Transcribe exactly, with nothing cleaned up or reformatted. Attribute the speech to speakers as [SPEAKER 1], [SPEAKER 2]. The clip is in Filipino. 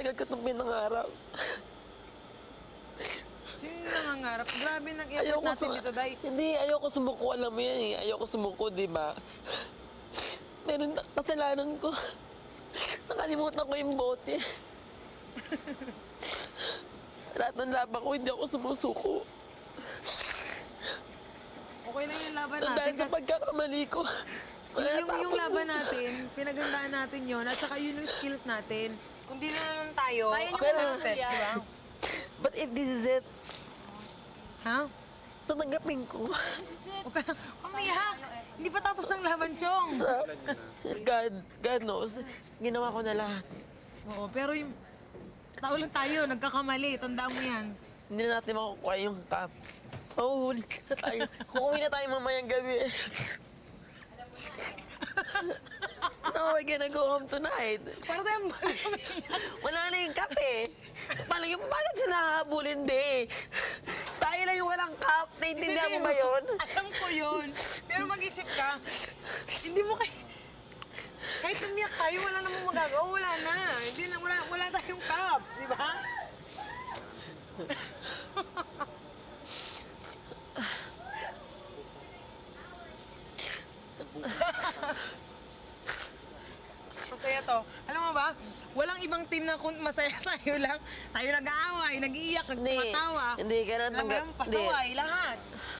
[SPEAKER 1] matagal ko itong pinangarap.
[SPEAKER 2] Sino yung nangangarap? Grabe nag-effort natin dito, Day.
[SPEAKER 1] Hindi, ayoko sumuko. Alam mo yan eh. Ayoko sumuko, di ba? Meron na kasalanan ko. Nakalimutan ko yung bote. Sa lahat ng laban ko, hindi ako sumusuko.
[SPEAKER 2] Okay lang yung laban natin.
[SPEAKER 1] Dahil sa pagkakamali ko.
[SPEAKER 2] Yung, yung, yung laban natin, pinagandaan natin yun, at saka yun yung skills natin. Kung di na naman tayo,
[SPEAKER 3] Kaya nyo
[SPEAKER 2] accepted,
[SPEAKER 3] yan.
[SPEAKER 2] di ba?
[SPEAKER 1] But if this is it,
[SPEAKER 2] Ha?
[SPEAKER 1] tatanggapin ko.
[SPEAKER 2] Huwag ka na, umiyak! Hindi pa tapos ang laban, Chong!
[SPEAKER 1] Sa, God, God knows, ginawa ko na lahat.
[SPEAKER 2] Oo, pero yung tao lang tayo, nagkakamali, tandaan mo yan.
[SPEAKER 1] Hindi na natin makukuha yung cup. Mahuhuli na tayo. Kukuwi na tayo mamayang gabi. No, we're gonna go home tonight.
[SPEAKER 2] Para tayong
[SPEAKER 1] Wala na yung cup eh. Paano yung paano sila nakakabulin de? Tayo lang yung walang cup. Naintindihan mo ba yun?
[SPEAKER 2] Alam ko yun. Pero mag-isip ka, hindi mo kay... Kahit umiyak tayo, wala namang magagawa. Wala na. Hindi na, wala, wala tayong cup. Di ba? Masaya to. Alam mo ba, walang ibang team na kung masaya tayo lang. Tayo nag-aaway, nag-iiyak,
[SPEAKER 1] Hindi.
[SPEAKER 2] nagpatawa.
[SPEAKER 1] Hindi, ganun
[SPEAKER 2] Alam mo
[SPEAKER 1] tangga-
[SPEAKER 2] yun, pasaway, lahat.